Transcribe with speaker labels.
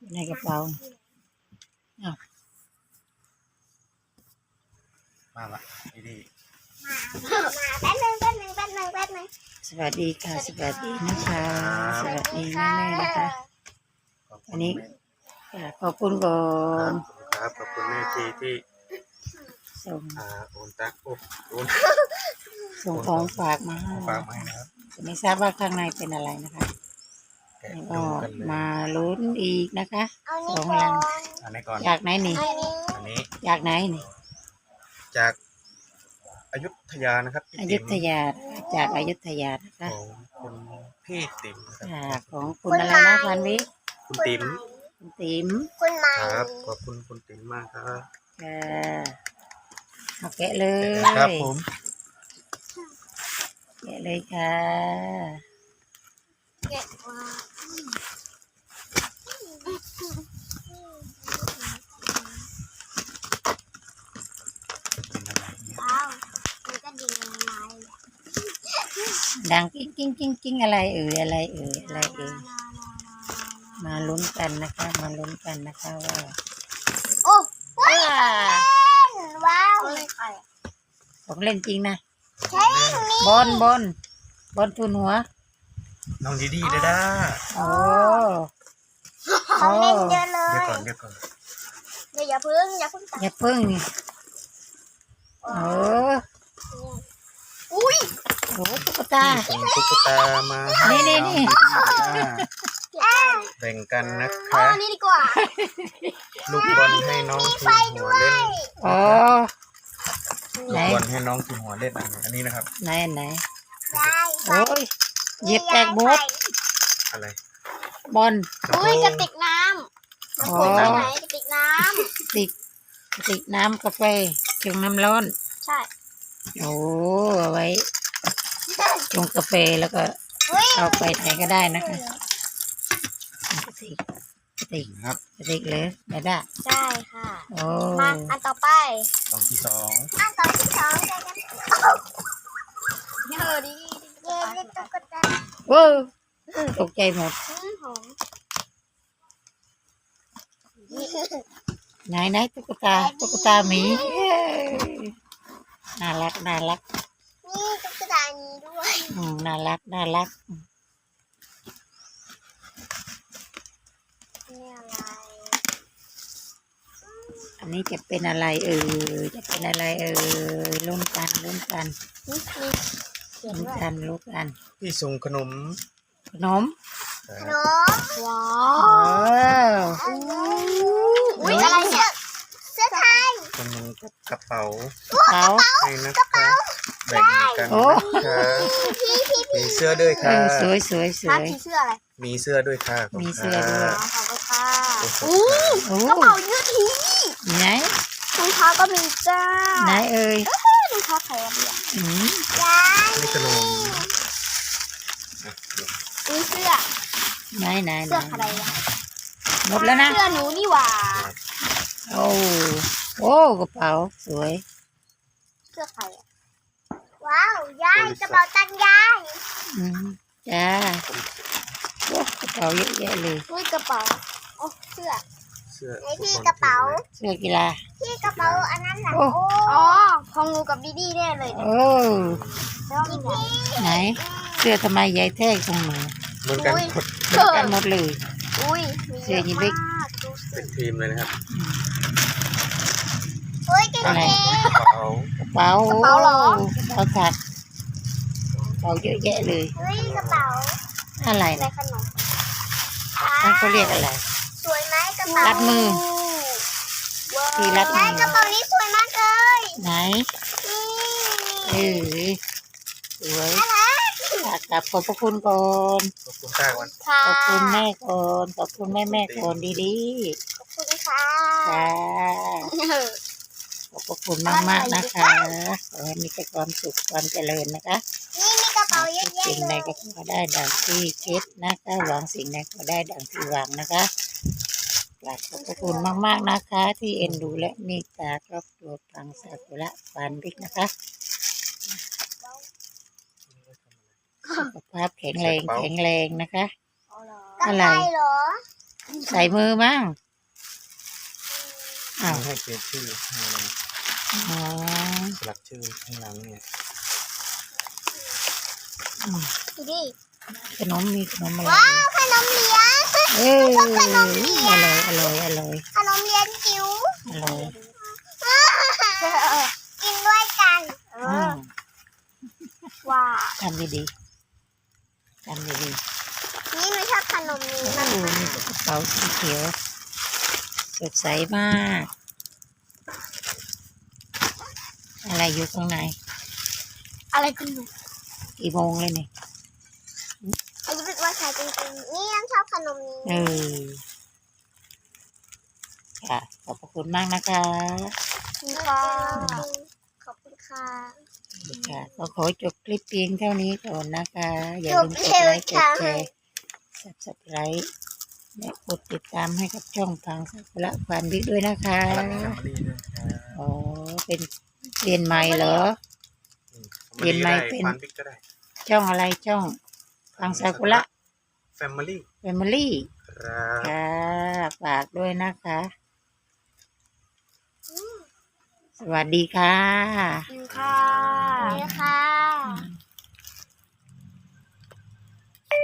Speaker 1: ในกระเป๋า
Speaker 2: มาละดี
Speaker 3: แป๊บนึง
Speaker 1: สวัสดีค่ะสวัสดีนะคะสวัสดีแม่นะคะ อันนี้ขอบคุณก่อน
Speaker 2: ครับขอบคุณแม่ที่
Speaker 1: ส่ง
Speaker 2: โอนตักโอน
Speaker 1: ส่งของฝากมาให้
Speaker 2: ฝากมาให้นะครับ
Speaker 1: ไม่ทราบว่าข้างในเป็นอะไรนะคะแล้ว
Speaker 2: ดู
Speaker 1: ก็
Speaker 2: กันเลย
Speaker 1: มาลุ้นอีกนะคะ
Speaker 3: เอา
Speaker 1: ส
Speaker 3: นี่
Speaker 1: อง
Speaker 3: ก่อ
Speaker 1: ลัง
Speaker 3: น
Speaker 2: อันนี้ก่อน
Speaker 1: อยากไหนนี่
Speaker 2: อันนี้
Speaker 1: อยากไหนนี่
Speaker 2: จากอยุธยานะครับพี่
Speaker 1: อ
Speaker 2: ติ๋
Speaker 1: ยุ
Speaker 2: ม
Speaker 1: ธยาจากอยุธยานะคะ
Speaker 2: ของคุณพี่ติ๋มนะครับ
Speaker 1: ของคุณอะไรนะพันวิ
Speaker 2: คุณติ๋ม
Speaker 1: คุณติ๋ม
Speaker 3: คุณใหม่
Speaker 2: ครับขอบคุณคุณติ๋มมากครับ
Speaker 1: เอาแกะเลย
Speaker 2: ครับผม
Speaker 1: แกะเลยค่ะ
Speaker 3: เก็บมาว้าวมันก็ดิ่งลงมาเลย
Speaker 1: ดังกิ้งกิ้งกิ้งกิ้งอะไรเอ่ยอะไรเอ่ยอะไรเอ่ยมาลุ้นกันนะคะมาลุ้นกันนะคะว่า
Speaker 3: โอ้ว้าวเลยใคร
Speaker 1: ของเล่นจริงนะ
Speaker 3: ใช่นี่
Speaker 1: บนทุนหัว
Speaker 2: น้องดีดีเด้อด้า
Speaker 1: โอ้
Speaker 3: ของเล่นเยอะเล
Speaker 2: เดี๋ยวย ก่อนเดี๋ยวก่อน
Speaker 3: เดี๋ยวอย่าพึ่งตัด
Speaker 1: อย่าพึ่งนี่โอ้
Speaker 3: อุ้ย
Speaker 1: โหตุ๊กตา
Speaker 2: ส่งตุ๊กตามาให้
Speaker 1: นี่
Speaker 2: น้อง
Speaker 1: นี่
Speaker 2: ดีดีเด้อด้าแบ่งกันนะ
Speaker 3: อ๋อ
Speaker 2: คะ
Speaker 3: นี่ดีกว่า
Speaker 2: ลูกบอลให้น้องทุนหัวเล่น
Speaker 1: โอ้
Speaker 2: ลูกบอลให้น้องทุนหัวเล่นอันนี้นะครับ
Speaker 1: ไหน
Speaker 3: ได้
Speaker 1: โอ้ยเหยียบแตกบด
Speaker 2: อะไร
Speaker 1: บอล
Speaker 3: อุ้ยกระติกน้ำ
Speaker 1: อ๋อ
Speaker 3: คุณไปไหนกระติกน้
Speaker 1: ติกน้ำกาแฟชงน้ำร้อน
Speaker 3: ำใช่
Speaker 1: โอ้เอาไว้ชงกาแฟแล้วก็
Speaker 3: อุ้ย
Speaker 1: เอาไปไหนก็ได้นะคะกระติก
Speaker 2: ครับ
Speaker 1: กระติกเลยไม่ได้
Speaker 3: ใช่ค่ะ
Speaker 1: โอ้
Speaker 3: มาอันต่อไป
Speaker 2: สองที่สอง
Speaker 3: อันต่อที่สองกันเยอะดิเย้เล่นตุ๊กตา
Speaker 1: โอ้ตกใจหมด
Speaker 3: หอม
Speaker 1: ไหนตุ๊กตาหมีเอ้ยน่ารัก
Speaker 3: นี่ตุ๊กตานี้ด้วย
Speaker 1: น่ารัก
Speaker 3: นี่อะไร
Speaker 1: อันนี้จะเป็นอะไรเอ่ยจะเป็นอะไรเอ่ยลุ้นกัน
Speaker 3: นี่มีเขียน
Speaker 1: ลุ้น
Speaker 3: ด้วย
Speaker 1: กันลุ้นกัน
Speaker 2: พี่ส่งขนม
Speaker 1: ขนม
Speaker 3: ขนมว้า
Speaker 1: ว้าว
Speaker 3: อุ้ยอะไรเนี่ยเสื้อไทย
Speaker 2: คนหนึงกระเป๋า
Speaker 1: เขา
Speaker 2: ให้นะคะแบ่งกัน
Speaker 1: โอ้
Speaker 2: นะคะมีเสื้อด้วยค่ะ
Speaker 1: สวย
Speaker 3: ร้านผีเสื้ออะไร
Speaker 2: มีเสื้อด้วยค่ะขบคุณ
Speaker 1: มีเสื้อด้วย
Speaker 2: ค่ะ
Speaker 3: ขอบคุณค่ะ
Speaker 2: โอ้
Speaker 1: โอ้
Speaker 3: กระเป๋ายืดที
Speaker 1: ไหน
Speaker 3: รองเท้าก็มีจ้า
Speaker 1: ไหนเอ่ย
Speaker 3: รองเท้าใครอะเนี่ย
Speaker 1: อืม
Speaker 3: ยาย
Speaker 2: นี่ขนม
Speaker 3: มีเสื้อ
Speaker 1: ไหน
Speaker 3: เสื้อใครอะ
Speaker 1: หมดแล้วนะ
Speaker 3: เสื้อหนูนี่หว่า
Speaker 1: โอ้กระเป๋าสวย
Speaker 3: เสื้อใครอะว้าวยายกระเป๋าตังค์ยาย
Speaker 1: อืมจ้าโอ้กระเป๋าเยอะแยะเลย
Speaker 3: อุ้ยกระเป๋าโอ้เสื้อ
Speaker 2: เสื้อ
Speaker 3: ไอ้ที่กระเป๋า
Speaker 1: เสื้อกีฬา
Speaker 3: ที่กระเป๋าอันนั้นน่ะ
Speaker 1: โอ้
Speaker 3: อ๋อของหนูกับดีดีแน่เลย
Speaker 1: โอ้
Speaker 3: แล้วมีพี่
Speaker 1: ไหน เสื้อทำไมใหญ่แท้ตรงมือ
Speaker 2: เหมือนกันหมด
Speaker 1: เหมือนกันหมดเลย
Speaker 3: อุ้ยมี
Speaker 1: เสื้อยีนส์บิ๊ก
Speaker 3: มากดูสิ
Speaker 2: เป็นทีมเลยนะครับ
Speaker 3: อุ้ยเก๋
Speaker 1: อะไร
Speaker 2: กระเป๋าก
Speaker 1: ระเป๋าก
Speaker 3: ระเป๋าเหรอ
Speaker 1: กระเป๋าถักกระเป๋าเยอะแยะเลย
Speaker 3: ๆอุ้ยกระเป๋า
Speaker 1: อะไร
Speaker 3: อะไร
Speaker 1: นะ
Speaker 3: ขนม
Speaker 1: นั่นเขาเรียกอะไร
Speaker 3: สวยไหมกระเป๋า
Speaker 1: รัดมือ
Speaker 3: ว้าว
Speaker 1: ที่รัดมือ
Speaker 3: ยายกระเป๋านี้สวยมากเลย
Speaker 1: ไหน
Speaker 3: นี่
Speaker 1: เออสวยกลับขอบพระคุณก่อน
Speaker 2: ขอบคุณค่ะวัน
Speaker 3: ค่ะ
Speaker 1: ขอบคุณแม่ก่อนขอบคุณแม่ก่อนดี
Speaker 3: ขอบคุณค่ะ
Speaker 1: ๆจ้าขอบพระคุณมากๆนะคะขอให้มีแต่ความสุขความเจริญนะคะ
Speaker 3: นี่มีกระเป๋าเยอะแยะ
Speaker 1: สิ่ง
Speaker 3: เล
Speaker 1: ใด
Speaker 3: ย
Speaker 1: ก็ขอได้ดังที่คิดนะคะหวังสิ่งใดก็ได้ดังที่หวังนะคะกราบขอบพระคุณมากๆนะคะ ที่เอ็นดูและเมตตาครอบครัวปังซากุระปานบิ๊กนะคะสุขภาพแข็งแรงนะคะ
Speaker 3: กระ
Speaker 1: อะไร
Speaker 3: ต่ายเหรอ
Speaker 1: ใส่มือมั้งอ้าว
Speaker 2: ให้เขียนชื่อให้อะไร
Speaker 1: อ๋อ
Speaker 2: สลักชื่อข้างหลังเนี่ย
Speaker 3: ดูดิ
Speaker 1: ขนมมีขนมอะไร
Speaker 3: ว้าวขนมเหรียญ
Speaker 1: เอออร่อยอร่อยอร่อย
Speaker 3: ขนมเหรียญจิ๋ว
Speaker 1: อร่อย
Speaker 3: กินด้วยกัน
Speaker 1: อืม
Speaker 3: ว้าว
Speaker 1: ทำดีๆทำดี
Speaker 3: นี่หนูชอบขนมนี้
Speaker 1: ๆ
Speaker 3: มา
Speaker 1: โอ้
Speaker 3: ก
Speaker 1: มีกระเป๋าสีเขียวสดใสมาก อะไรอยู่ข้างใน
Speaker 3: อะไรคุณหนู
Speaker 1: กี่โมงเลยเนี่ย
Speaker 3: อันนี้เป็นว่าใครจริงๆนี่ยังชอบขนมนี้
Speaker 1: เออค่ะขอบพระคุณมากนะคะ
Speaker 3: ขอบคุณค่ะ
Speaker 1: ค่ะก็ขอจบคลิปเพียงเท่านี้ก่อนนะคะ อย่า
Speaker 3: จ
Speaker 1: ลื
Speaker 3: บ
Speaker 1: มก
Speaker 3: เร็
Speaker 1: ด
Speaker 3: ว
Speaker 1: ไลค์ก
Speaker 3: จั
Speaker 1: ด
Speaker 3: ง
Speaker 1: แชร์ Subscribe และกดติดตามให้กับช่องพังสักุระควานบิ๊กด้วยนะคะ
Speaker 2: สลักแฟมิลี่ด้วยครับ
Speaker 1: อ๋อ เป็นเรียนใหม่เหรอ เรียนไม่เป็น
Speaker 2: ควานบิ๊กก็ได้
Speaker 1: ช่องอะไรช่องพังสักุระ
Speaker 2: แฟมิลี่
Speaker 1: แฟมิลี่
Speaker 2: ครับ
Speaker 1: ค่ะฝากด้วยนะคะ สวัสดีค่ะ
Speaker 3: ค่ะนี่ค่ะ